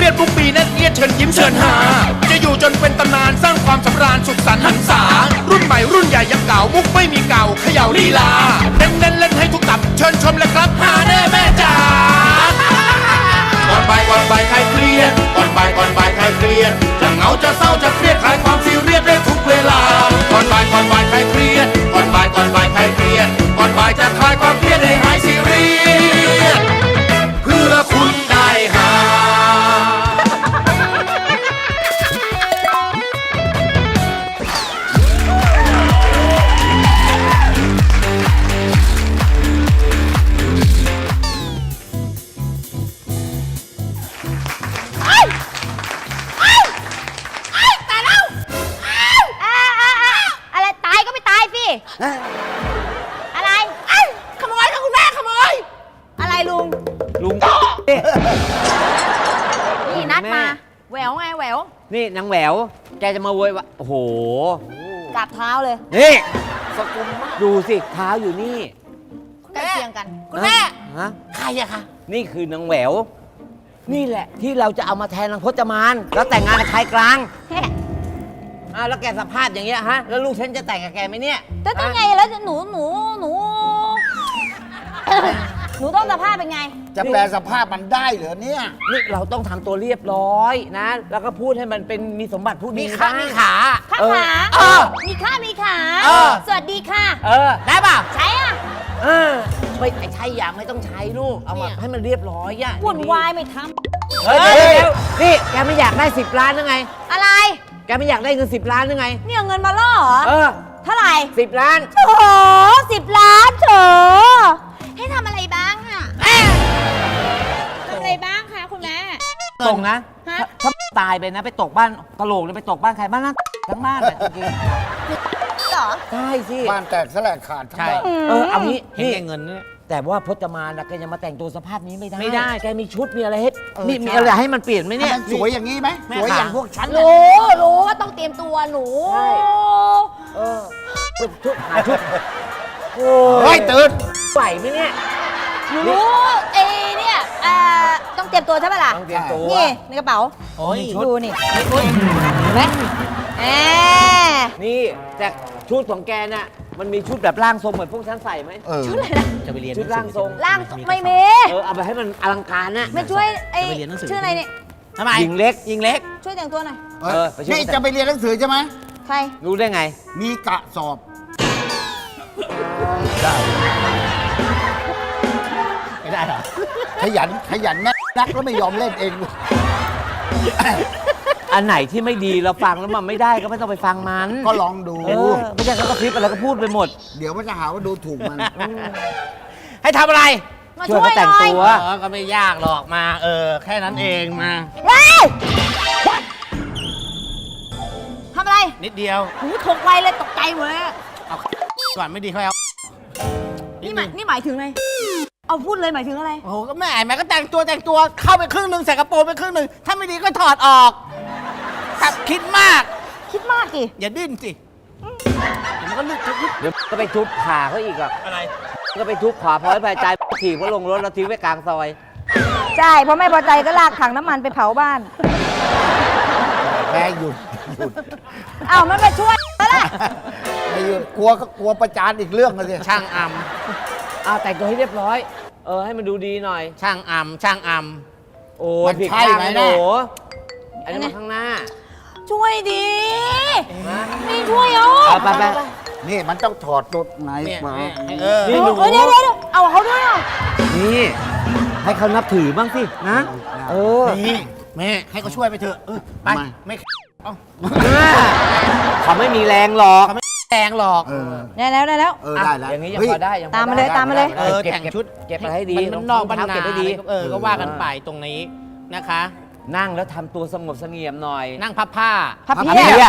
รียดมุกปีแน่นเอียดเชิญยิ้มเชิญหาจะอยู่จนเป็นตำนานสร้างความสำราญสุขสันต์หันษารุ่นใหม่รุ่นใหญ่ยังเก่ามุกไม่มีเก่าเขย่าลีลาเน้นเล่นให้ทุกตับเชิญชมเลยครับหาแน่แม่จ๋าก่อนบ่ายใครเครียดก่อนบ่ายใครเครียดจะเหงาจะเศร้าจะเครียดคลายความซีเรียสได้ทุกเวลาก่อนบ่ายใครเครียดก่อนบ่ายใครเครียดก่อนบ่ายจะคลายความเครียดให้หายซีเรียสเพื่อคุณได้หาอะไรตายก็ไม่ตายสิอะไรขโมยค่ะคุณแม่ขโมยอะไรลุงนี่นัดมาแหววไงแหววนี่นางแหววแกจะมาโวยวะโอ้โหกราบเท้าเลยนี่สกุลมากดูสิเท้าอยู่นี่ใกล้เคียงกันคุณแม่ฮะใครอะคะนี่คือนางแหววนี่แหละที่เราจะเอามาแทนนางพจมานแล้วแต่งงานกับชายกลางแล้วแกสภาพอย่างเงี้ยฮะแล้วลูกฉันจะแต่งกับแกไหมเนี่ยจะต้องไงแล้วหนูต้องสภาพเป็นไงจะแปลสภาพมันได้เหรอเนี่ยนี่เราต้องทำตัวเรียบร้อยนะ แล้วก็พูดให้มันเป็นมีสมบัติพูดดีมีขามีขาข้าขา มีข้ามีขา สวัสดีค่ะได้ป่ะใช่อ่ะไม่ใช่อย่างไม่ต้องใช้ลูกเอามาให้มันเรียบร้อยอ่ะวุ่นวายไม่ทเฮ้ยนี่แกไม่อยากได้10 ล้านยังไงำอะไรแกไม่อยากได้เงิน10 ล้านยังไงนี่เอาเงินมาล่อเหรอ เท่าไหร่ 10 ล้านโถ10 ล้านโถให้ทำอะไรบ้างอะทำอะไรบ้างคะคุณแม่ตรงนะฮะถ้าตายไปนะไปตกบ้านกะโหลกเลยไปตกบ้านใครบ้านนั้นทั้งบ้านอ่ะจริงเหรอๆใช่สิบ้านแตกสลายขาดทั้งบ้านเอางี้เห็นนี่แก่เงินเนี่ยแต่ว่าพจมานนะแกยังมาแต่งตัวสภาพนี้ไม่ได้ไม่ได้แกมีชุดมีอะไรให้เออนี่ใช่มีอะไรให้มันเปลี่ยนไหมเนี่ยมันสวยอย่างนี้ไหมแม่สวยขาอย่างพวกฉันรู้ว่าต้องเตรียมตัวหนูใช่เป็นชุดหาชุดโอ้เฮ้ยตื่นไหวไหมเนี่ยหนูรู้เนี่ยต้องเตรียมตัวใช่ไหมล่ะต้องเตรียมตัวนี่ในกระเป๋าโอ้ยดูนี่เห็นไหมแหมนี่แต่ชุดของแกน่ะมันมีชุดแบบร่างทรงเหมือนพวกฉันใส่ไหมชุดอะไรนะจะไปเรียนชุดร่างทรงร่างไม่มีเอาไปให้มันอลังการน่ะไม่ช่วยจะไปเรียนหนังสือชื่ออะไรเนี่ยทำไมหญิงเล็กยิงเล็กช่วยแต่งตัวหน่อยไปช่วยนี่จะไปเรียนหนังสือใช่ไหมใครรู้ได้ไงมีกะสอบไม่ได้เหรอขยันแม่นักแล้วไม่ยอมเล่นเองอันไหนที่ไม่ดีเราฟังแล้วมันไม่ได้ก็ไม่ต้องไปฟังมันก็ลองดูไม่ใช่เขาก็คลิปอะไรก็พูดไปหมดเดี๋ยวมันจะหาว่าดูถูกมันให้ทำอะไรมาช่วยช่วยเขาแต่งหน่อยตัวก็ไม่ยากหรอกมา แค่นั้นเองมาเฮ้ยทำอะไรนิดเดียวหูถกไวเลยตกใจหมดเลยเอาก่อนไม่ดีค่อยเอานี่หมายถึงอะไรเอาพูดเลยหมายถึงอะไรโอ้โหก็แม่ก็แต่งตัวเข้าไปครึ่งหนึ่งใส่กระโปรงไปครึ่งหนึ่งถ้าไม่ดีก็ถอดออกครับคิดมากคิดมากกี่อย่าดิ้นสิเดี๋ยวมันก็ลึกเดี๋ยวก็ไปทุบขาเขาอีกอ่ะอะไรก็ไปทุบขาพอให้พายใจถีบเขาลงรถแล้วทิ้งไว้กลางซอยใช่เพราะไม่พอใจก็ลากถังน้ำมันไปเผาบ้านแม่หยุดอ้าวมันไปช่วยแล้วล่ะไม่หยุดกลัวประจานอีกเรื่องเลยสิช่างอแต่งตัวให้เรียบร้อย ให้มันดูดีหน่อยำช่างอำโอ้มันผิดใช่ข้างไหมนะเนี่โหยอันนี้มาข้างหน้าช่วยดีนี่ช่วยเอาไปนี่มันต้องถอดตัวไหนเนี่ยมานี่หนูเดี๋ยวเอาเขาด้วยอ่ะนี่ให้เขานับถือบ้างสินะนี่แม่ให้เขาช่วยไปเถอะไปไม่เอาเขาไม่มีแรงหรอกแรงหรอกได้แล้วได้แล้วอย่างนี้ยังฮ้พอได้ยังพอตามมาเลยได้ตามมาเลยแต่งชุดเก็บมาให้ดีมันนอกบรรรองนาเท้าเก็บให้ดีก็ว่ากันไปตรงนี้นะคะนั่งแล้วทำตัวสงบเสงี่ยมหน่อยนั่งพับผ้าพับพับเพียเพียบบ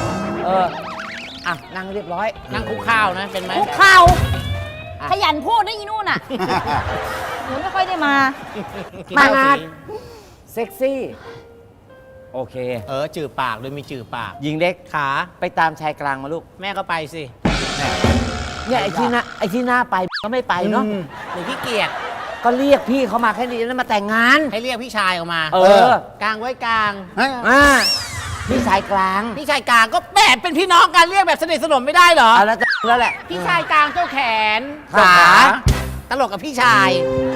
นั่งเรียบร้อยนั่งคุกข้าวนะเป็นไหมคุกเข่าขยันพูดนะอีนู่นน่ะหนูไม่ค่อยได้มามางานเซ็กซี่ โอเคจือปากโดยมีจือปากหญิงเล็กขาไปตามชายกลางมาลูกแม่ก็ไปสิเนี่ยไอ้ที่หน้าไปก็ไม่ไปเนาะหนูขี้เกียจก็เรียกพี่เขามาแค่นี้แล้วมาแต่งงานให้เรียกพี่ชายออกมาเออกลางไว้กลางอ่าพี่ชายกลางพี่ชายกลางก็แบบเป็นพี่น้องกันเรียกแบบสนิทสนมไม่ได้เหรอเอาแล้วจะแล้วแหละพี่ชายกลางเจ้าแขนขาตลกกับพี่ชาย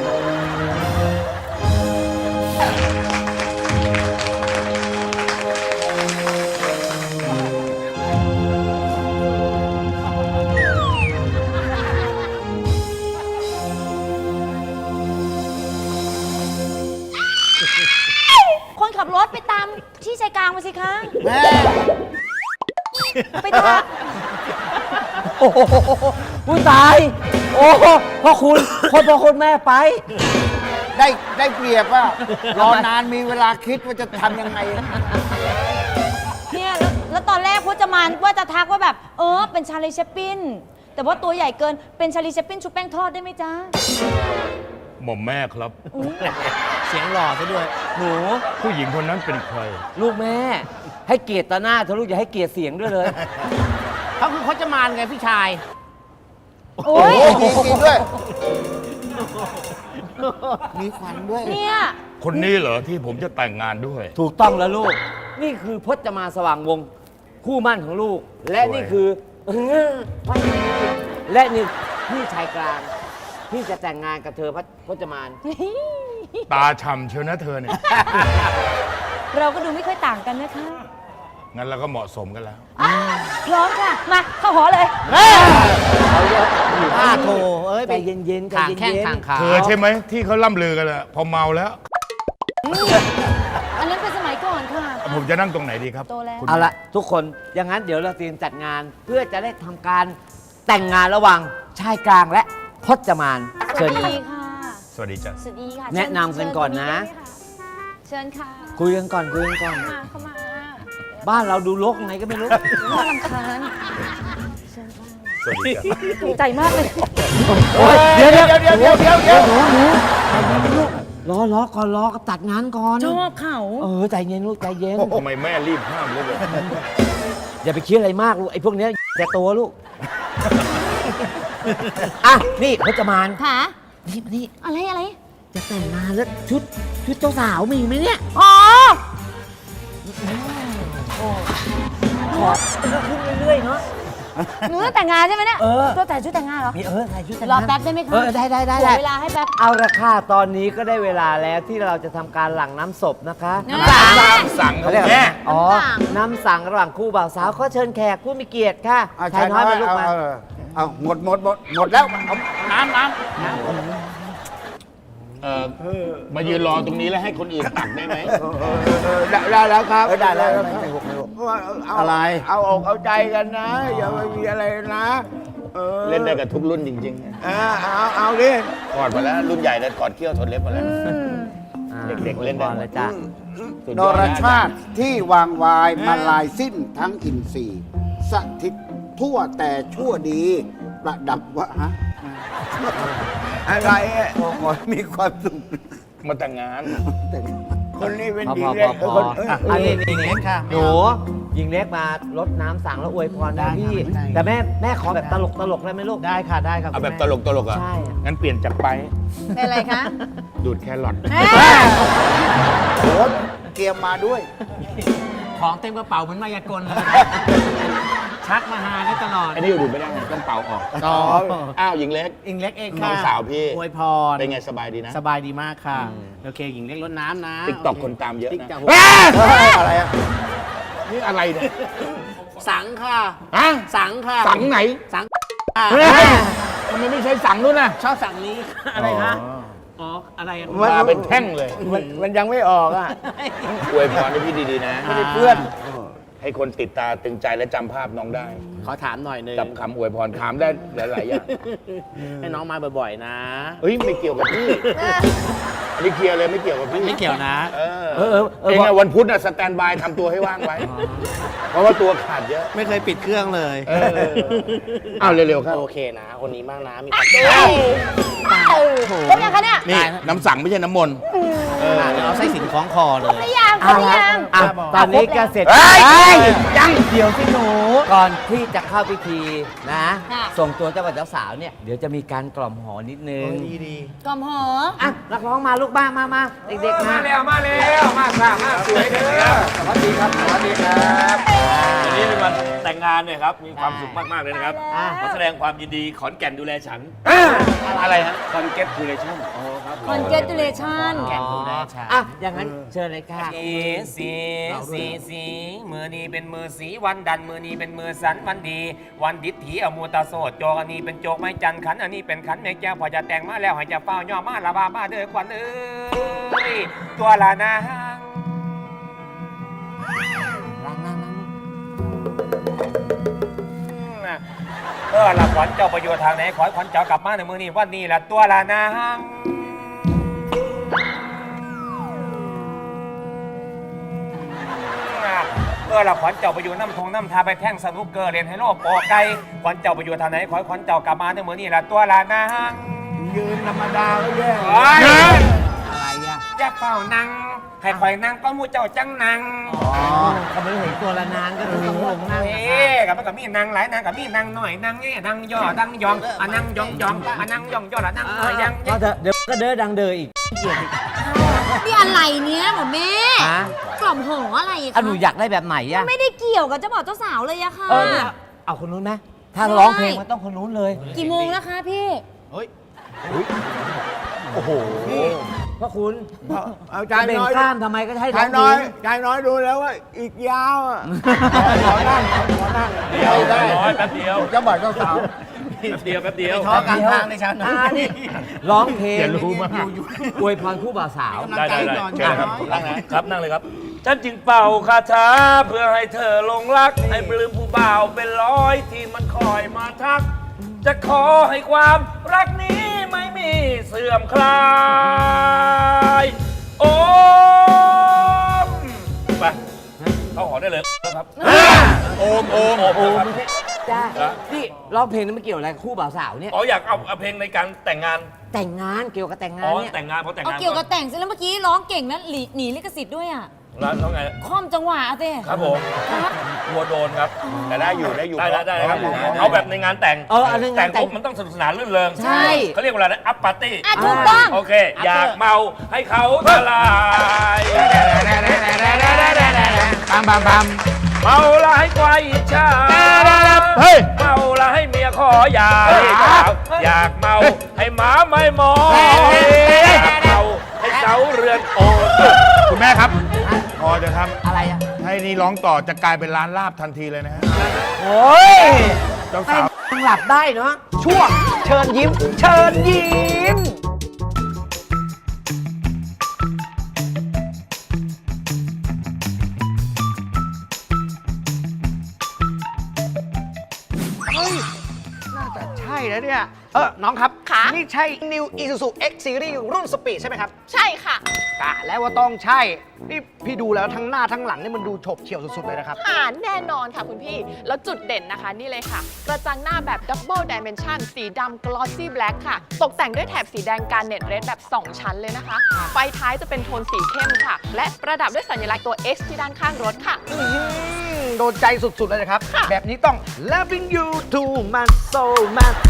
คนขับรถไปตามที่ชายกลางมาสิคะแม่ไปตามโอ้โหผู้ตาย โอ้โหพ่อคุณพ่อคุณแม่ไปได้เปรียบว่ารอนานมีเวลาคิดว่าจะทำยังไงเนี่ยแล้วตอนแรกพจมานว่าจะทักว่าแบบ เป็นชาลีเชปปินแต่ว่าตัวใหญ่เกินเป็นชาลีเชปปินชุบแป้งทอดได้ไหมจ๊ะหม่อมแม่ครับเสียงหล่อซะด้วยหนูผู้หญิงคนนั้นเป็นใครลูกแม่ ให้เกียรติตาหน้าเธอะลูกอย่าให้เกียรติเสียงด้วยเลยเขาคือพจมานไงพี่ชายโอ้ยจริงๆด้วย มีขวัญด้วยเนี่ยคนนี้เหรอที่ผมจะแต่งงานด้วยถูกต้องแล้วลูก นี่คือพจมานสว่างวงศ์คู่มั่นของลูก และนี่คือและนี่พี่ชายกลางที่จะแต่งงานกับเธอพจมานตาฉ่ำเชียวนะเธอเนี่ยเราก็ดูไม่ค่อยต่างกันนะคะงั้นเราก็เหมาะสมกันแล้วพร้อมค่ะ มาเข้าหอเลยป้าโทเอ้ยใจเย็นๆใจทางเย็นๆแข้งทางขาเธอใช่ไหมที่เขาล่ำลือกันแหละพอเมาแล้วอันนั้นเป็นสมัยก่อนค่ะผมจะนั่งตรงไหนดีครับโตแล้วคุณเอาละทุกคนอย่างนั้นเดี๋ยวเราเตรียมจัดงาน เพื่อจะได้ทำการแต่งงานระหว่างชายกลางและพจมานสเชิวัญสครับดีค่ะสวัสดีจ้ะสวัสดีค่ะแนะนำกันก่อนนะเชิญค่ะคุยกันก่อนคุยกันก่อนมาเข้ามาบ้านเราดูรกไงก็ไม่รู้น่ารำคาญเชิญค่ะสวัสดีจ้ะถูกใจมากเลยโอ้ยเดี๋ยวหนูรอก่อนรอกับจัดงานก่อนชอบเขาใจเย็นลูกใจเย็นทำไมแม่รีบห้ามเลยอย่าไปคิดอะไรมากลูกไอ้พวกเนี้ยแต่ตัวลูก อ่ะนี่พจมานค่ะนี่มานี่อะไรจะแต่งงานแล้วชุดเจ้าสาวมีไหมเนี่ยอ๋อขอก็ขึ้นเรื่อยๆเนาะหนูจะแต่งงานใช่ไหมเนี่ยเออตัวแต่งชุดแต่งงานเหรอมีใส่ชุดแต่งรองานแป๊บได้ไหมคะได้ขอเวลาให้แป๊บเอาละค่ะตอนนี้ก็ได้เวลาแล้วที่เราจะทำการหลั่งน้ำศพนะคะน้ำสังสั่งเขาเรียกอะไรแม่อ๋อน้ำสังน้ำสังระหว่างคู่บ่าวสาวก็เชิญแขกผู้มีเกียรติค่ะชายน้อยมาลูกมาเอาหมดแล้วเอาน้ำมายืนรอตรงนี้แล้วให้คนอื่นตักได้ไหมได้แล้วครับได้แล้วไม่หกเอาอะไรเอาอกเอาใจกันนะ อย่าไปมีอะไรนะอเล่นได้กับทุกรุ่นจริงเอาดิๆกอดมาแล้วรุ่นใหญ่แล้วกอดเขี้ยวทนเล็บมาแล้ว เด็กๆเล่นได้บอลเลยจ้ะสุดนยอดรนะชาติที่วางวายมาลายสิ้นทั้งอินทรีย์สถิตทั่วแต่ชั่วดีประดับวะฮะอะไรอะขอมีความสุขมาแต่งงานคนนี้เป็นพอดีพอเล็กพอคนอันนี้นี่เล็กค่ะหนูยิงเล็กมาลดน้ำสั่งแล้วอวยพรนะพี่ได้แต่แม่ขอแบบตลกได้ไหมลูกได้ค่ะได้ครับเอาแบบคุณตม่ลกอ่ะใช่อะงั้นเปลี่ยนจากไปเป็นอะไรคะดูดแครอทโหเตรียมมาด้วยของเต็มกระเป๋าเหมือนมายากลเลย ชักมาหาได้ตลอดอันนี้ดูดไม่ได้ต้องเป่าออกอ๋ออ้าวหญิงเล็กอิงเล็กเองน้ค่ะองสาวพี่อวยพรเป็นไงสบายดีนะสบายดีมากค่ะ โอเคหญิงเล็กรดน้ำนะติ๊กต็อกคนตามเยอะติ๊กนะต็อกอะไรอะนี่อะไรเนี่ยสังค่ะฮะสังค่ะสังไหนสังค่ะทำไมไม่ใช้สังนู้นน่ะชอบสังนี้ค่ะอะไรคะอ๋ออะไรอะมาเป็นแท่งเลยมันยังไม่ออกอ่ะอวยพรให้พี่ดีๆนะไม่ได้เพื่อนให้คนติดตาตึงใจและจำภาพน้องได้ขอถามหน่อยหนึงกับคำอวยพรถามได้หลายๆอย่างให้น้องมาบ่อยๆนะเฮ้ยไม่เกี่ยวกับพี่อันนี้เคลียร์เลยไม่เกี่ยวกับพี่ไม่เกี่ยวนะเออเออเองอะวันพุธอะสแตนบายทำตัวให้ว่างไว้ เพราะว่าตัวขาดเยอะไม่เคยปิดเครื่องเลยเอาเร็วๆครับโอเคนะ คนนี้มากนะ มีความสุขครบยังคะเนี่ยนี่น้ำสั่งไม่ใช่น้ำมนต์เอาไส้สินคล้องคอเลยหรือยังครบหรือยังอ่ะตอนนี้ก็เสร็จเฮ้ยยังเดี๋ยวพี่หนู ก่อนที่จะเข้าพิธีนะค่ะส่งตัวเจ้าบ่าวเจ้าสาวเนี่ย เดี๋ยวจะมีการกล่อมหอนิดนึงกล่อมหออ่ะนักร้องมาลูกบ้ามาเด็กๆมามาสวยเด้อสวัสดีครับสวัสดีครับวันนี้เป็นวันแต่งงานเนี่ยครับ มีความสุขมาก ๆ เลยนะครับอ่าขอแสดงความยินดีขอนแก่นดูแลฉันอะไรฮะคอนเกตคูเลชั่น congratulation อ่ะอย่างนั้นเชิญเลยค่ะสีมือนี้เป็นมือสีวันดันมือนี้เป็นมือสันวันดี วันดิษฐีอมูตาโสดโจกอันนี้เป็นโจกไม้จันขันอันนี้เป็นขันแม่แก้วพอจะแต่งมาแล้วให้จะเฝ้าย่อมาละบาบ้าเด้อควันเอ้ยตัวละนางละขวัญเจ้าประโยชน์ทางไหนขอให้ขวัญเจ้ากลับมาในมือนี้วันนี้ละตัวละนางละขวัญเจ้าไปอยู่น้ำทงน้ำทาไปแท่งสนุกเกอร์เรียนให้โลกปอไก่ขวัญเจ้าไปอยู่ทางไหนขอให้ขวัญเจ้ากลับมาในมือนี้ละตัวละนางยืนธรรมดาก็แย่อะไรอ่ะจะเฝ้านั่งให้คอยนั่งก็มูเจ้าจังนั่งอ๋อก็ไม่ได้เห็นตัวละนางก็คือต้องลงนั่งเอ๊ะกับมันก็มีนั่งหลายนั่งกับมีนั่งหน่อยนั่งนี่นั่งย่อนั่งยองนั่งยองนั่งยองย่อละนั่งหน่อยยังก็เดี๋ยวก็เด้อดังเดออีกนี่อะไรเนี้ยหมอแม่ฮะกล่อมหออะไรอะอ่ะหนูอยากได้แบบไหนอ่ะไม่ได้เกี่ยวกับเจ้าบ่าวเจ้าสาวเลยอะค่ะเอาคนนู้นไหมถ้าร้องเพลงมันต้องคนนู้นเลยกี่โมงนะคะพี่โอ้โหพระคุณเอาใจจะเบ่งน้อยกล้ามทำไมก็ให้ร้ใจองน้อยเพลงใจน้อยดูแล้วว่าอีกยาวอ่ะขอนั่งขอนั่งเดี๋ยวร้อยแป๊บเดียวเจ้าบ่าวเจ้าสาวแป๊บเดียวแป๊บเดียวท้อกลางทางเลยชาวนานี่ร้องเพลงอย่ารู้มากอวยพรคู่บ่าวสาวได้ได้ได้เชิญครับนั่งนะครับนั่งเลยครับ ฉันจึงเป่าคาถาเพื่อให้เธอหลงรัก ให้ปลื้มผู้บ่าวเป็นร้อยที่มันคอยมาทัก จะขอให้ความรักนี้ไม่มีเสื่อมคลาย โอ้มไปเข้าหอได้เลยนะครับโอมโอ้มนะครับจ้านี่ร้องเพลงนั้นไม่เกี่ยวอะไรกับคู่บ่าวสาวเนี่ยอ๋ออยากเอาเพลงในการแต่งงานแต่งงานเกี่ยวกับแต่งงาอ๋นอเนี่ยแต่งงานเพราะแต่งเอางานเกี่ยวกับแต่งสิแล้วเมื่อกี้ร้องเก่งนะหนีลิขสิทธิ์ด้วยอะร้านเขาไงคล่อมจังหวะสิครับผมครับวัวโดนครับแต่ได้อยู่ได้อยู่ได้ครับเอาแบบในงานแต่งอันนึงแต่งาง นแต่งปุ๊บมันต้องสนุกสนานรื่นเริงใช่เขาเรียกว่าอะไรนะอัปปาร์ตี้อ่ะถูกต้องโอเค อยากเมาให้เขาทลายบามบามบามเมาละให้ควายอิจฉาเฮ้ยเมาละให้เมียขออยาอยากเมาให้หมาไม่มองอยากเมาให้เสาเรือนโอคุณแม่ครับ พอจะทอะไรอ่ะำให้นี่ร้องต่อจะกลายเป็นร้านลาบทันทีเลยนะฮะโอ้ยเจ้าให้สาวหลับได้เนาะช่วงเชิญยิ้ม เชิญยิ้มน่าจะใช่แล้วเนี่ย น้องครับ นี่ใช่ New Isuzu X Series รุ่นสปีดใช่ไหมครับใช่ค่ะกะแล้วว่าต้องใช่ นี่พี่ดูแล้วทั้งหน้าทั้งหลังนี่มันดูฉบเฉี่ยวสุดๆเลยนะครับหาแน่นอนค่ะคุณพี่ แล้วจุดเด่นนะคะนี่เลยค่ะ กระจังหน้าแบบ Double Dimension สีดำ Glossy Black ค่ะ ตกแต่งด้วยแถบสีแดงการเน็ตเรดแบบ 2 ชั้นเลยนะคะ ไฟท้ายจะเป็นโทนสีเข้มค่ะ และประดับด้วยสัญลักษณ์ตัว X ที่ด้านข้างรถค่ะโดนใจสุดๆเลยนะครับค่ะแบบนี้ต้อง loving you too much so much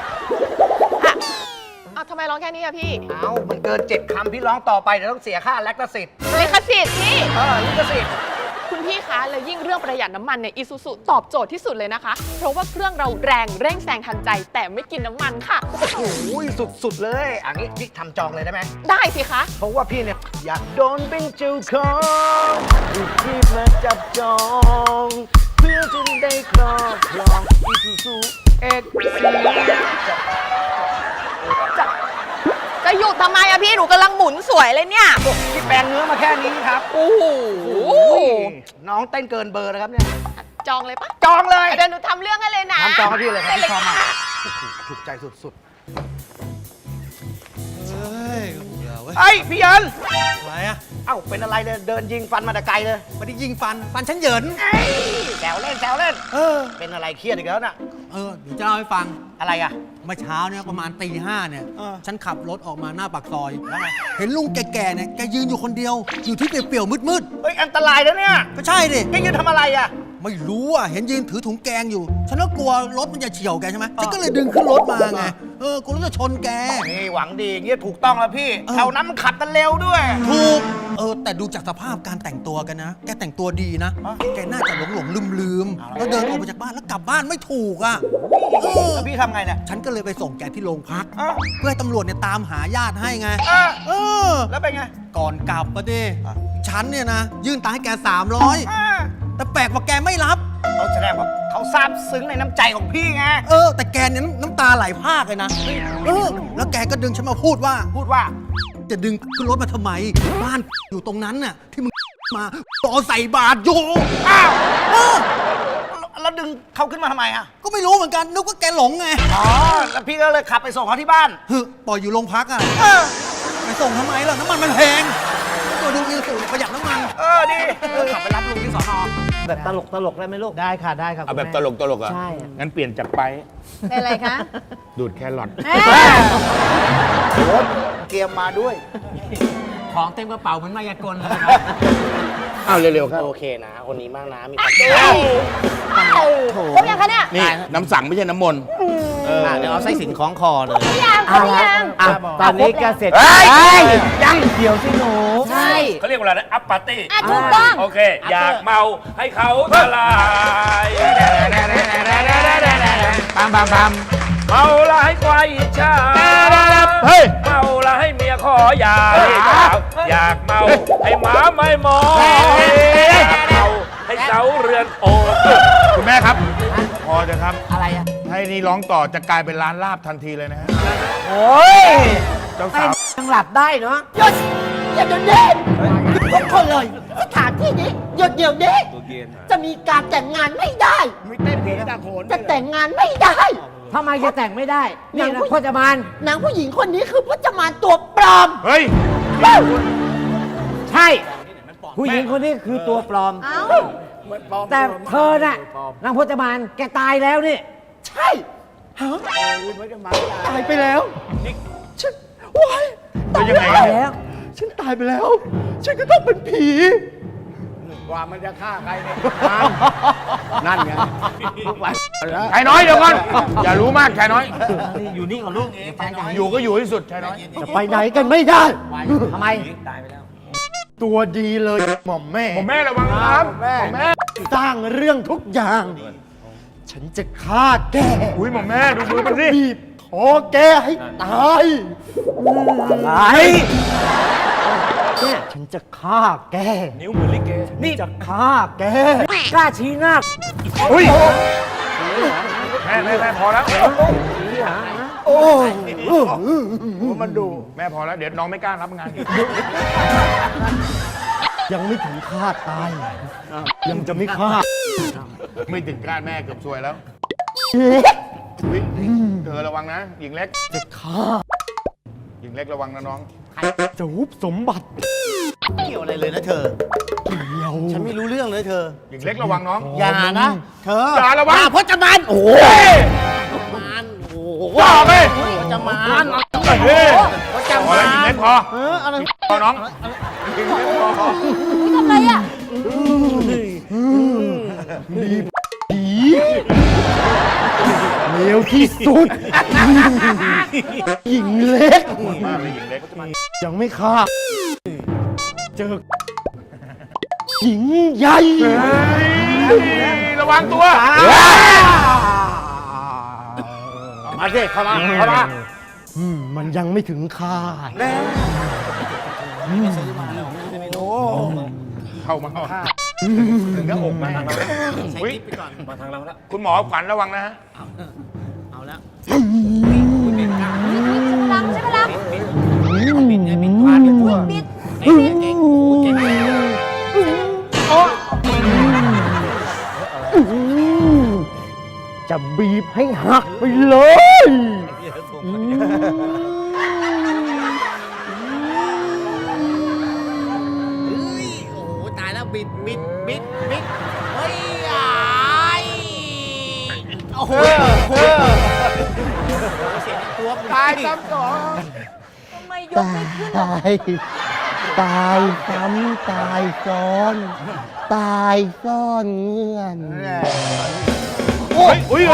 อ้าวทำไมร้องแค่นี้อะพี่เอ้า มันเกิน 7 คำพี่ร้องต่อไปเดี๋ยวต้องเสียค่าแลคสิทธิ์ลิขสิทธิ์พี่ลิขสิทธิ์คุณพี่คะ แล้วยิ่งเรื่องประหยัดน้ำมันเนี่ย Isuzu ตอบโจทย์ที่สุดเลยนะคะ เพราะว่าเครื่องเราแรงเร่งแซงทันใจ แต่ไม่กินน้ำมันค่ะโอ้ยสุดๆเลยอันนี้พี่ทำจองเลยได้ไหมได้สิคะเพราะว่าพี่เนี่ย อยากโดนเป็นเจ้าของที่มาจับจอง เพื่อจะได้ครอบครอง Isuzu X Series จะหยุดทำไมอะพี่ หนูกำลังหมุนสวยเลยเนี่ยที่แปลงเนื้อมาแค่นี้ครับโอ้โหน้องเต้นเกินเบอร์นะครับเนี่ยจองเลยปะจองเลยเดี๋ยวหนูทำเรื่องให้เลยนะทำจองให้พี่เลยครับพี่ชอบมากค่ะถูกใจสุดไอ้พี่เยินอะไรอะเอ้าเป็นอะไรเนี่ยเดินยิงฟันมาแต่ไกลเลยไม่ได้ยิงฟันฉันเหยินแซวเล่นแซวเล่นเออเป็นอะไรเครียดอีกแล้วน่ะเดี๋ยวจะเล่าให้ฟังอะไรอ่ะเมื่อเช้าเนี่ยประมาณตี 5เนี่ยเออฉันขับรถออกมาหน้าปากซอยแล้วไงเห็นลุงแก่ๆเนี่ยแกยืนอยู่คนเดียว อยู่ที่เปลี่ยวๆมืดเฮ้ยอันตรายแล้วเนี่ยๆก็ใช่ดิแกยืนทำอะไรอ่ะไม่รู้อ่ะเห็นยืนถือถุงแกงอยู่ ฉันก็กลัวรถมันจะเฉี่ยวแกใช่ไหมฉันก็เลยดึงขึ้นรถมาไงกลัวรถจะชนแกนี่หวังดีอย่างเงี้ยถูกต้องแล้วพี่ แถวนั้นมันขับกันเร็วด้วยถูกแต่ดูจากสภาพการแต่งตัวกันนะ แกแต่งตัวดีนะ แกน่าจะหลงลืมแล้วเดินออกมาจากบ้านแล้วกลับบ้านไม่ถูกอ่ะแล้วพี่ทำไงเนี่ยฉันก็เลยไปส่งแกที่โรงพักอ้าวเพื่อให้ตำรวจเนี่ยตามหาญาติให้ไงอ่ะเออแล้วเป็นไงก่อนกลับปะดิฉันเนี่ยนะ ยื่นตังค์ให้แก 300 อ่าแต่แปลกว่าแกไม่รับเขาแสดงว่าเขาซาบซึ้งในน้ำใจของพี่ไงแต่แกเนี่ยน้ำตาไหลพรากเลยนะแล้วแกก็ดึงฉันมาพูดว่าพูดว่าจะดึงขึ้นรถมาทำไม บ้านอยู่ตรงนั้นน่ะที่มึงมาต่อใส่บาทอยู่อ้าวเออแล้วดึงเขาขึ้นมาทำไมอ่ะก็ไม่รู้เหมือนกันนึกว่าแกหลงไงอ๋อ แล้วพี่ก็เลยขับไปส่งเขาที่บ้านปล่อยอยู่โรงพักอ่ะไปส่งทำไมล่ะน้ำมันมันแพงตัวดูอิลสูประหยัดน้ำมันดี ขับไปรับลุงที่สอนอแบบตลกได้ไหมลูกได้ค่ะ ได้ครับเอาแบบตลกอ่ะใช่งั้นเปลี่ยนจากไปเป็นอะไรคะดูดแครอทโอ๊ตเกมมาด้วยของเต็มกระเป๋าเหมือนมายากลเลยอ้าวเร็วๆครับโอเคนะ คนนี้มากนะมีความครบยังคะเนี่ยนี่น้ำสั่งไม่ใช่น้ำมนต์เดี๋ยวเอาไส้สินคล้องคอเลยยังครบยังตอนนี้ก็เสร็จยังเดี๋ยวสิหนูใช่เขาเรียกว่าอะไรนะอัปปาร์ตี้ถูกต้องโอเค อยากเมาให้เขาทลายปามเมาละให้ควายอิจฉาเฮ้ยเมาละให้เมียขอหย่าอยากเมาให้หมาไม่มองอยากเมาให้เสาเรือนโอบคุณแม่ครับ พอจะครับอะไรอ่ะให้นี่ร้องต่อจะกลายเป็นร้านลาบทันทีเลยนะฮะโอ้ยเจ้าไม่สาวยังหลับได้เนาะหยุดอย่าเดี๋ยวนี้ทุกคนเลยสถานที่นี้หยุดเดี๋ยวนี้จะมีการแต่งงานไม่ได้ไม่เต้นเพลงตะโขนจะแต่งงานไม่ได้ทำไมจะแต่งไม่ได้นี่นะพจมานนางผู้หญิงคนนี้คือพจมานตัวปลอมเฮ้ยใช่ ผู้หญิงคนนี้คือตัวปลอมเอ้าแต่เธอน่ะนางพจมานแกตายแล้วนี่ใช่ฮะตายไปแล้วฉันว้ายแล้วยังไงตายเนี่ยแล้วฉันตายไปแล้ว ฉันก็ต้องเป็นผีกว่ามันจะฆ่าใครเนี่ยนั่นไงลูกหลานชายน้อยเดี๋ยวก่อน อย่ารู้มากชายน้อยอยู่นี่กับลูกอยู่ก็อยู่ที่สุดชายน้อยจะไปไหนกันไม่ได้ทำไมตัวดีเลยหม่อมแม่ผมแม่ระวังนะครับผมแม่สร้างเรื่องทุกอย่าง ฉันจะฆ่าแกอุ้ยหมอแม่ดูมือมันสิบีบคอแกให้ตายอะไรเนี่ยฉันจะฆ่าแกนิ้วมือลิเกนี่จะฆ่าแกกล้าชี้หน้าอุ้ยแม่พอแล้วโอ้ยมันดูแม่พอแล้วเดี๋ยวน้องไม่กล้ารับงานอีกยังไม่ถึงฆ่าตาย ยังจะไม่ฆ่าไม่ถึงคาดแม่เกือบซวยแล้วเล็กอุ๊ยเธอระวังนะ หญิงเล็กจะฆ่าหญิงเล็กระวังนะน้องจะฮุบสมบัติเกี่ยวอะไรเลยนะเธอ ฉันไม่รู้เรื่องเลยเธอหญิงเล็กระวังน้องอย่านะ เธออย่าระวังพจมานโอ้โหโอ้โหว่าไปพจมานเฮ้ยพจพอมาแล้วหญิงนเล็กพออะไรพอน้องหญิงเล็กพอทำอะไรอ่ะเลวที่สุด หญิงเล็กมากเลยหญิงเล็กยังไม่ฆ่า เจอ หญิงใหญ่ระวังตัวมาสิเข้ามาเข้ามามันยังไม่ถึงคาดเข้ามาถึงหน้าอกมาอุ๊ยคุณหมอขวัญระวังนะฮะใช่พลังใช่พลังบิดโอ้จะบีบให้หักไปเลยยบิ๊กเฮ้ยไอ้ โอ้โหตายซ้ำสองทำไมยกไม่ขึ้นอะตายซ้ำตายซ้อน ตายซ่อนเงื่อนอุ้ยช่วย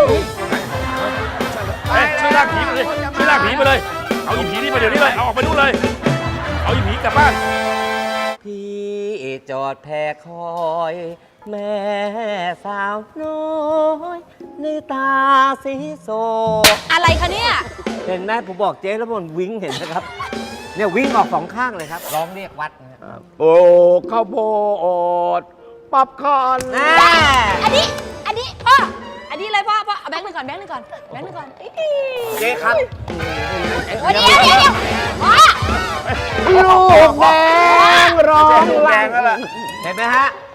ลากผีไปเลยช่วยลากผีไปเลย เอาอีผีนี่ไปเดี๋ยวนี้เลย เอาออกไปนู่นเลย เอาอีผีกลับบ้านพี่จอดแพคอย แม่สาวน้อยในตาสีโซอะไรคะเนี่ยเห็นไหมผมบอกเจ๊แล้วมันวิ่งเห็นนะครับ เนี่ยวิ่งออกสองข้างเลยครับ ร้องเรียกวัดนะครับโอ้ข้าวโพดป๊อปคอร์นอันนี้พ่อ อันนี้เลยพ่อเอาแบงค์หนึ่งก่อนเจ๊ครับโอ้เดี๋ยวพ่อลูกแดงร้องแดลั่งนแล้วล่ะเห็นไหมฮะ